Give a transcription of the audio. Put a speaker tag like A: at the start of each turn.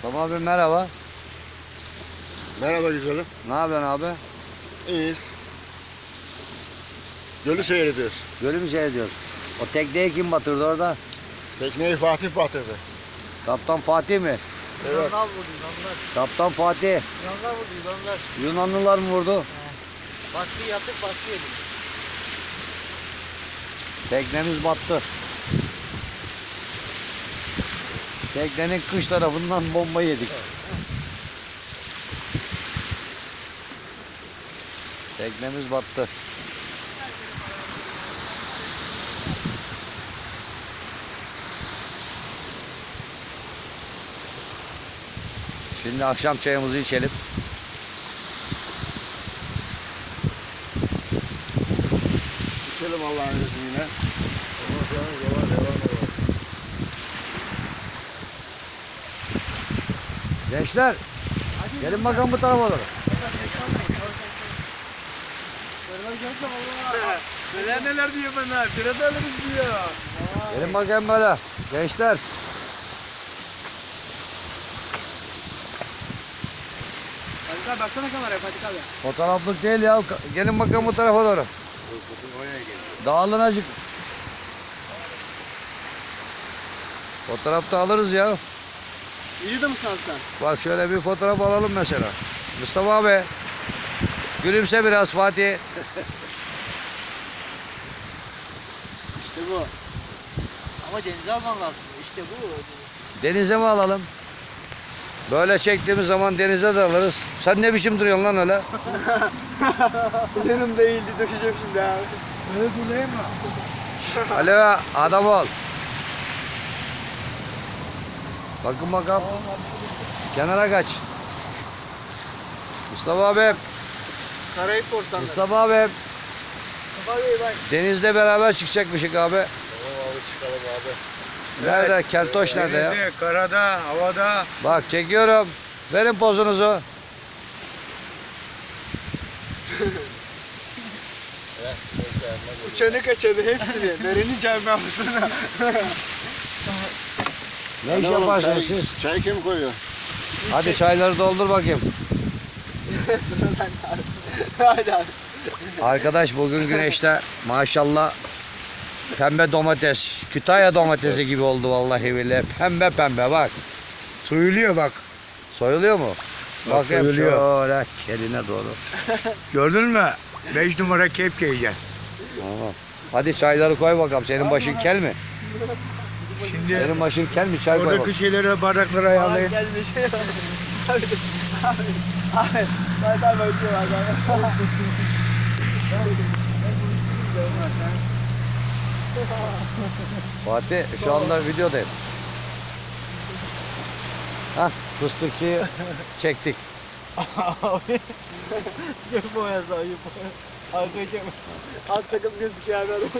A: Tamam abi, merhaba.
B: Merhaba güzelim.
A: Ne yapıyorsun abi?
B: İyiyiz. Gölü seyrediyoruz.
A: Gölü mü seyrediyoruz? O tekneyi kim batırdı orada?
B: Tekneyi Fatih batırdı.
A: Kaptan Fatih mi?
B: Evet.
C: Yunanlar vurdu Yunanlar.
A: Kaptan Fatih.
C: Yunanlar vurdu Yunanlar.
A: Yunanlılar mı vurdu?
C: Baskı yaptık baskı yedik.
A: Teknemiz battı. Teknenin kış tarafından bomba yedik. Teknemiz battı. Şimdi akşam çayımızı içelim.
B: İçelim Allah'ın izniyle. Ondan sonra devam.
A: Gençler, gelin bakalım bu tarafa doğru.
C: Neler diyor bana? Pirata alırız diyor.
A: Gelin bakayım böyle. Gençler.
C: Fatih abi baksana kameraya Fatih abi.
A: Fotoğraflık değil ya. Gelin bakalım bu tarafa doğru. Dağılın acık. Fotoğraf da alırız ya.
C: Videoda mısın abi sen?
A: Bak şöyle bir fotoğraf alalım mesela. Mustafa abi. Gülümse biraz Fatih.
C: İşte bu. Ama denize alman lazım. İşte bu.
A: Denize mi alalım? Böyle çektiğimiz zaman denize de alırız. Sen ne biçim duruyorsun lan öyle?
C: Benim değildi dökeceğim şimdi abi.
B: Öyle durayım mı?
A: Alo adam ol. Bakın bakalım. Kenara kaç. Mustafa abi.
C: Karayip korsanları.
A: Mustafa abi.
C: Mustafa Bey bak.
A: Denizde beraber çıkacakmışık abi.
B: Tamam abi çıkalım abi.
A: Nerede? Keltoş nerede ya?
B: Denizde, karada, havada.
A: Bak çekiyorum. Verin pozunuzu.
C: Uçanı kaçanı hepsini. Nerenin camiasına.
A: Ne iş yaparsınız siz?
B: Çay kim koyuyor?
A: Hadi çayları doldur bakayım.
C: Sıra sende abi. Hadi abi.
A: Arkadaş bugün güneşte maşallah pembe domates, Kütahya domatesi gibi oldu vallahi billahi. Pembe pembe bak.
B: Soyuluyor bak.
A: Soyuluyor mu?
B: Bak,
A: Bakayım
B: soyuluyor.
A: şöyle keline doğru.
B: Gördün mü? 5 numara kepke yiyeceksin.
A: Tamam. Hadi çayları koy bakalım. Senin başın kel mi?
B: Şimdi
A: Senin başın kel mi? Çay koy bakalım.
B: oradaki şeylere, bardakları ayarlayın.
C: Gelmiş. Abi. Abi. Fatih abi öpüyor abi.
A: Fatih şu anda videodayım. Hah fıstıkçıyı çektik.
C: Abi. Yapma ya sağ yapma. Arkadaşım. Alt takım gözüküyor abi adam.